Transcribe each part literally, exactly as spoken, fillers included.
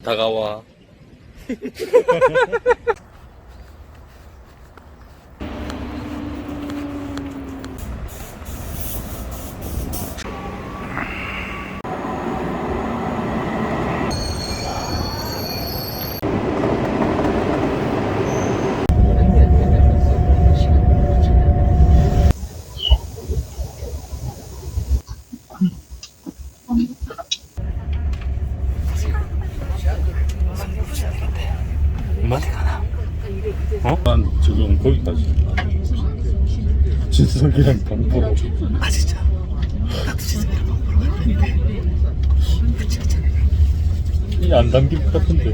다가와. 어디 가나? 어? 난 지금 거기까지. 진석이랑 방 보러. 아 진짜? 나도 진석이랑 방 보러 갔는데 같이 갔잖아. 이 안 담길 것 같은데.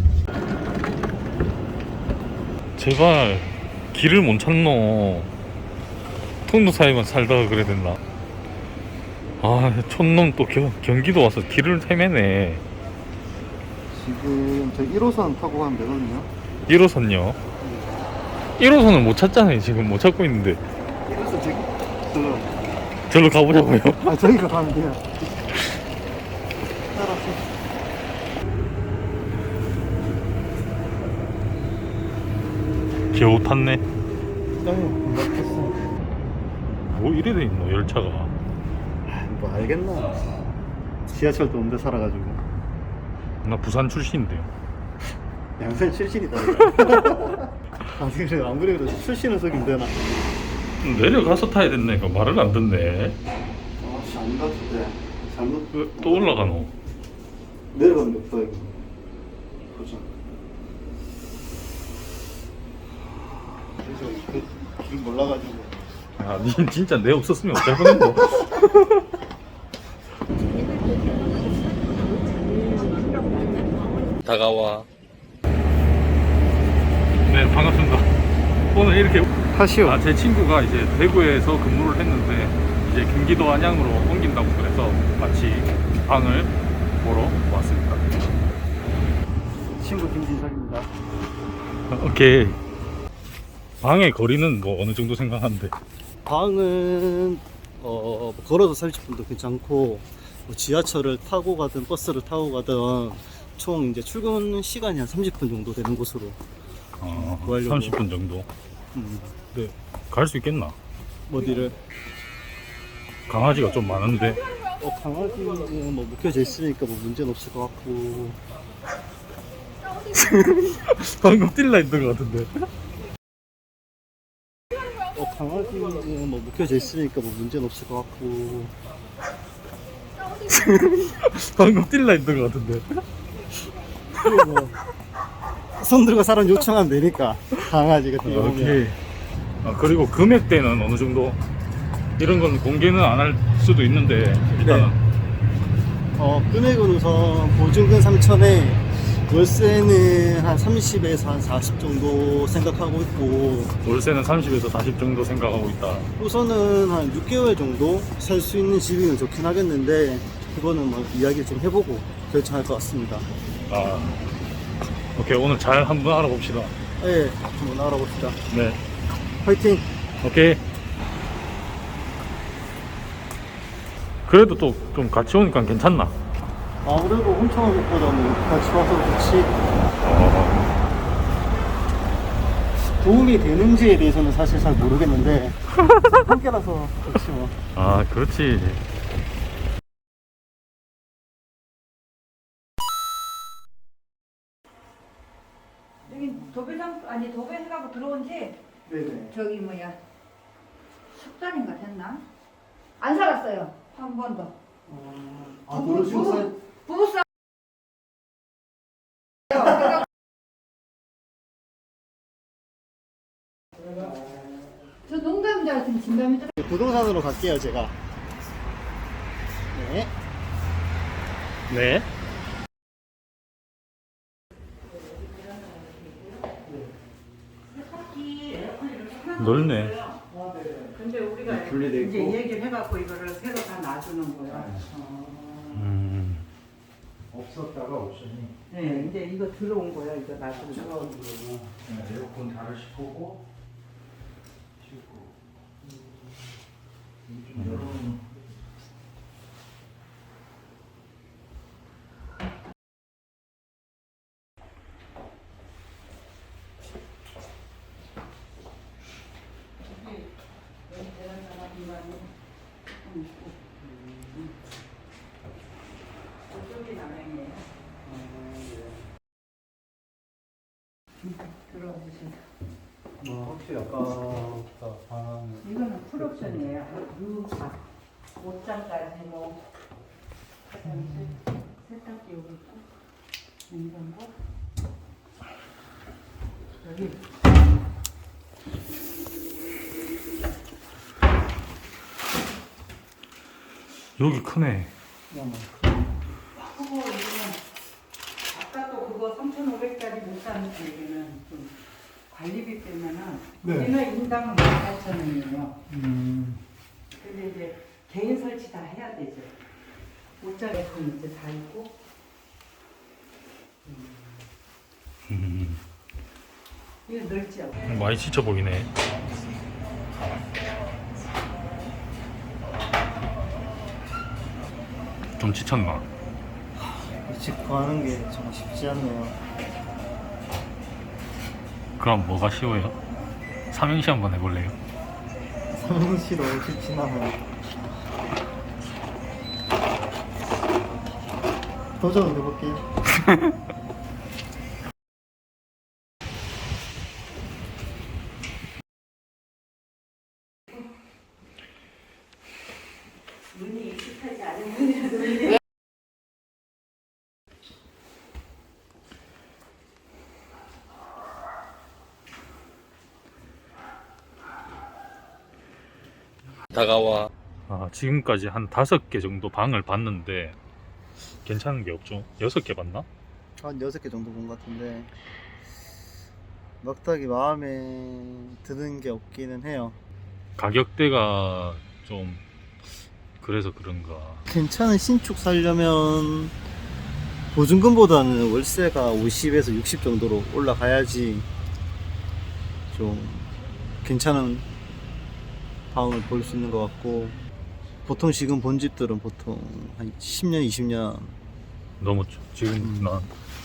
제발 길을 못 찾노. 통도 사이만 살다가 그래야 됐나? 아, 촌놈 또 겨, 경기도 와서 길을 헤매네. 지금 저 일 호선 타고 가면 되거든요. 일 호선요? 일 호선은 못 찾잖아요. 지금 못 찾고 있는데. 일 호선 저기 저 절로 가보자고요. 아 저기가 가면 돼요. 따라서. 겨우 탔네. 네, 막혔어. 뭐 이래 돼 있노 열차가. 뭐 알겠나? 지하철도 없는데 살아가지고. 나 부산 출신인데요. 양산 출신이다. 아 그래 안 그래도 출신은 속이면 되나? 내려가서 타야 된다니까 말을 안 듣네. 아씨 아닌 것 같은데. 잘못 왜 또 올라가노? 내려가는 게 없다 이거. 보자. 그, 길 몰라가지고. 아, 니 진짜 내 없었으면 어쩔 뻔했노. 다가와. 네, 반갑습니다. 오늘 이렇게 하시오. 아, 제 친구가 이제 대구에서 근무를 했는데 이제 경기도 안양으로 옮긴다고 그래서 마치 방을 보러 왔습니다. 친구 김진석입니다. 오케이. 방의 거리는 뭐 어느 정도 생각하는데? 방은 어, 뭐 걸어서 삼십 분도 괜찮고 뭐 지하철을 타고 가든 버스를 타고 가든 총 이제 출근 시간이 한 삼십 분 정도 되는 곳으로 어, 구하려고. 삼십 분 정도. 음, 네, 갈 수 있겠나? 어디를 강아지가 좀 많은데. 어, 강아지는 뭐 묶여져 있으니까 뭐 문제는 없을 것 같고. 방금 뛸라 했던 것 같은데. 어, 강아지는 뭐 묶여져 있으니까 뭐 문제는 없을 것 같고. 방금 뛸라 했던 것 같은데. 그리고 뭐, 손 들고 사람 요청하면 되니까 강아지가 뛰어오면. 오케이. 아, 그리고 금액대는 어느 정도? 이런 건 공개는 안 할 수도 있는데 일단은. 어, 금액은 우선 보증금 삼천에 월세는 한 삼십에서 한 사십 정도 생각하고 있고, 월세는 삼십에서 사십 정도 생각하고 있다. 우선은 한 육 개월 정도 살 수 있는 집이면 좋긴 하겠는데 그거는 뭐 이야기 좀 해보고 결정할 것 같습니다. 아, 오케이. 오늘 잘 한번 알아봅시다. 네, 한번 알아봅시다. 네, 화이팅! 오케이. 그래도 또 좀 같이 오니까 괜찮나? 아무래도 훔쳐온 것보다는 같이 와서 좋지. 어, 도움이 되는지에 대해서는 사실 잘 모르겠는데 함께라서 좋지 뭐. 아, 그렇지. 여기 도배장 아니 도배 해가고 들어온지 네네. 저기 뭐야 석 달인가 됐나? 안 살았어요 한 번도. 아, 그러시고 살. 부부싸. 저 농담인 줄 알았더니 진담이 들어. 부동산으로 갈게요 제가. 네. 네. 넓네. 근데 우리가 분리돼 있고. 이제 얘기를 해갖고 이거를 새로 다 놔주는 거야. 어. 음. 없었다가 없으니. 네, 이제 이거 들어온 거야. 이거 놔주는 거. 에어컨 다르시 보고. 씻고. 좀 여러. 들어와 주세요. 뭐 혹시 아까보다 방 이거는 풀옵션이에요. 루파, 옷장까지 뭐 화장실, 세탁기 여기 있고, 냉장고 여기. 여기 크네. 그거 이거는 아까 또 그거 삼천오백짜리 못 사는 얘기는 좀 관리비 때문에는 네. 우리는 인당 만 팔천 원이에요. 음. 근데 이제 개인 설치 다 해야 되죠. 옷장에 그 이제 다 있고. 음, 이거 넓죠? 많이 지쳐 보이네. 좀 지쳤나? 이 집 구하는 게 정말 쉽지 않네요. 그럼 뭐가 쉬워요? 삼행시 한번 해볼래요? 삼행시로 쉽진 않아요. 도전 해볼게요. 눈이 익숙하지 않은 분이라도 다가와. 아, 지금까지 한 다섯 개 정도 방을 봤는데 괜찮은 게 없죠. 여섯 개 봤나? 한 여섯 개 정도 본 것 같은데 막다기 마음에 드는 게 없기는 해요. 가격대가 좀 그래서 그런가. 괜찮은 신축 살려면 보증금보다는 월세가 오십에서 육십 정도로 올라가야지 좀 괜찮은 방을 볼 수 있는 것 같고, 보통 지금 본 집들은 보통 한 십 년, 이십 년 넘었죠. 지금 음. 난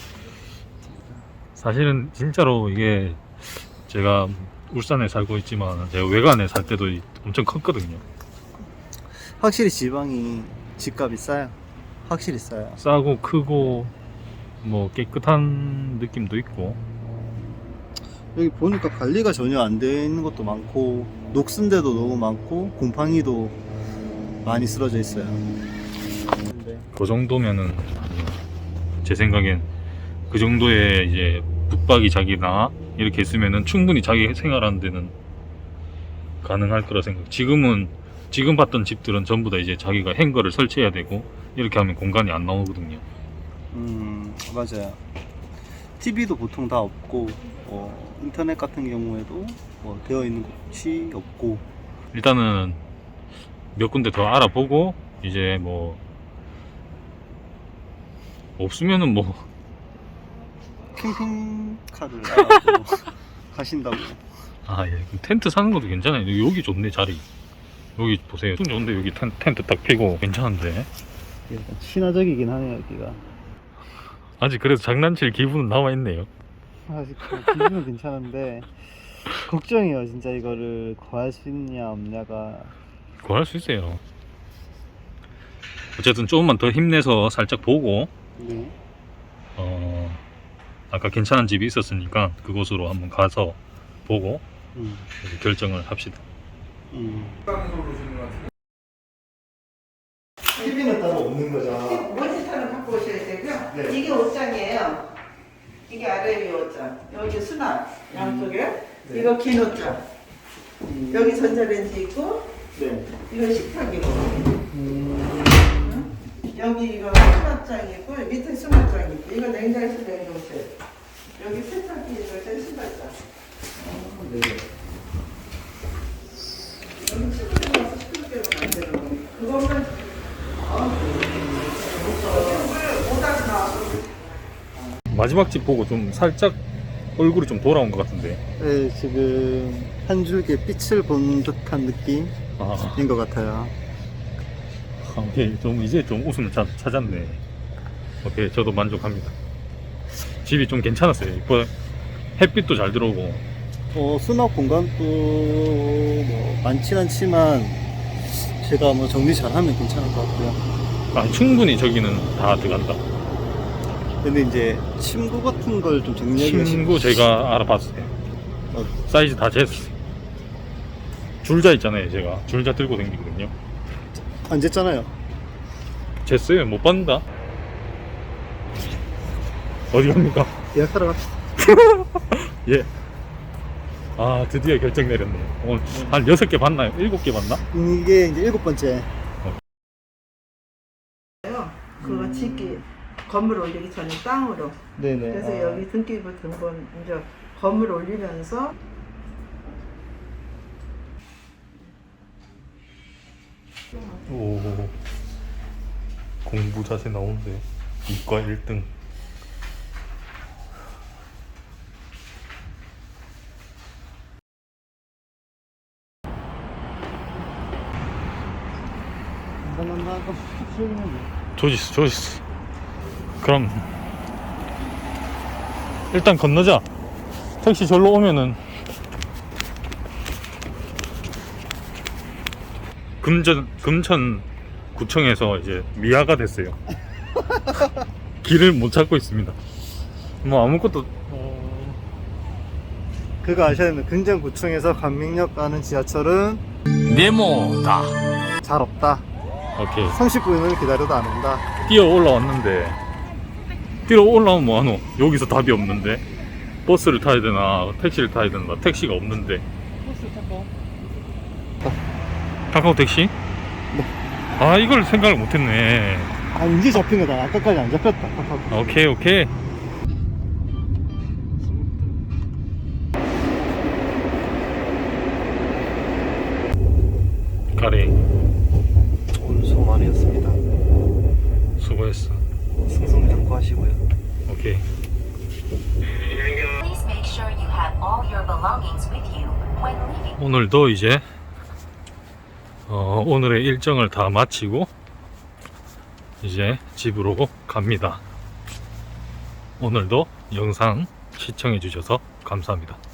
사실은 진짜로 이게 제가 울산에 살고 있지만 제가 외관에 살 때도 엄청 컸거든요. 확실히 지방이 집값이 싸요. 확실히 싸요. 싸고 크고 뭐 깨끗한 느낌도 있고. 여기 보니까 관리가 전혀 안 돼 있는 것도 많고, 녹슨 데도 너무 많고, 곰팡이도 많이 쓰러져 있어요. 근데 그 정도면은 제 생각엔 그 정도의 이제 붙박이 자기나 이렇게 있으면은 충분히 자기 생활하는 데는 가능할 거라 생각. 지금은 지금 봤던 집들은 전부 다 이제 자기가 행거를 설치해야 되고 이렇게 하면 공간이 안 나오거든요. 음, 맞아요. 티비도 보통 다 없고, 어, 인터넷 같은 경우에도 뭐 되어 있는 곳이 없고. 일단은 몇 군데 더 알아보고 이제 뭐 없으면은 뭐 캠핑카를 알아보고 가신다고. 아, 예. 그럼 텐트 사는 것도 괜찮아요. 여기 좋네, 자리. 여기 보세요. 좀 좋은데, 여기 텐, 텐트 딱 피고 괜찮은데. 약간 친화적이긴 하네요, 여기가. 아직 그래도 장난칠 기분은 남아있네요. 아직 기분은 괜찮은데 걱정이에요, 진짜 이거를 구할 수 있냐 없냐가. 구할 수 있어요. 어쨌든 조금만 더 힘내서 살짝 보고, 네. 어, 아까 괜찮은 집이 있었으니까 그곳으로 한번 가서 보고 음. 이제 결정을 합시다. 음. 티비는 따로 없는 거죠? 모니터는 갖고 오셔야 되고요. 네. 이게 옷장이에요. 이게 아래 위 옷장. 여기 수납 양쪽에. 네. 이거 긴 옷장. 음. 여기 전자레인지 있고, 네. 이거 식탁이고. 음. 응? 여기 이거 수납장이고, 밑에 수납장 있고, 이거 냉장실 냉동실. 여기 세탁기 있고, 신발장. 네. 여기 친구들 와서 시끄럽게 하면 안 되는 거. 그것만. 못하지 마. 마지막 집 보고 좀 살짝 얼굴이 좀 돌아온 것 같은데. 네, 지금 한 줄기 빛을 본 듯한 느낌인 아, 것 같아요. 오케이. 좀 이제 좀 웃음을 자, 찾았네. 오케이, 저도 만족합니다. 집이 좀 괜찮았어요. 뭐 햇빛도 잘 들어오고. 어, 수납 공간도 뭐 많진 않지만 제가 뭐 정리 잘하면 괜찮을 것 같고요. 아, 충분히 저기는 다 들어간다. 근데 이제 침구 같은 걸 좀 정리하기가 친구 제가 알아봤어요. 어, 사이즈 다 쟀어요. 줄자 있잖아요. 제가 줄자 들고 다니거든요. 안 쟀잖아요. 쟀어요. 못 받는다. 어디 갑니까? 예약하러 갑시다. 예. 아, 드디어 결정 내렸네요. 오늘 한 여섯 개 봤나요? 일곱 개 봤나? 이게 이제 일곱 번째. 그거 짓기 건물 올리기 전에 땅으로. 네네. 그래서 아, 여기 등기부 등본 이제 건물 올리면서 오, 공부 자세 나오는데 이과 일 등. 간단한 거 수행하면 조지스, 조지스. 그럼 일단 건너자. 택시 절로 오면은 금전 금천 구청에서 이제 미아가 됐어요. 길을 못 찾고 있습니다. 뭐 아무것도 그거 아셔야 됩니다. 금정구청에서 관민역 가는 지하철은 네모다. 잘 없다. 오케이. 삼십 분을 기다려도 안 온다. 뛰어 올라왔는데 뛰어 올라오면 뭐하노? 여기서 답이 없는데 버스를 타야 되나 택시를 타야 되나 택시가 없는데 버스 타고. 카카오 택시? 네. 아 이걸 생각을 못했네. 아 이제 잡힌 거다. 아까까지 안 잡혔다. 아까. 오케이 오케이. 가리 오늘 수고 많이 했습니다. 수고했어. 승승장구하시고요. 오케이. Please make sure you have all your belongings with you when leaving. 오늘도 이제 어, 오늘의 일정을 다 마치고 이제 집으로 갑니다. 오늘도 영상 시청해 주셔서 감사합니다.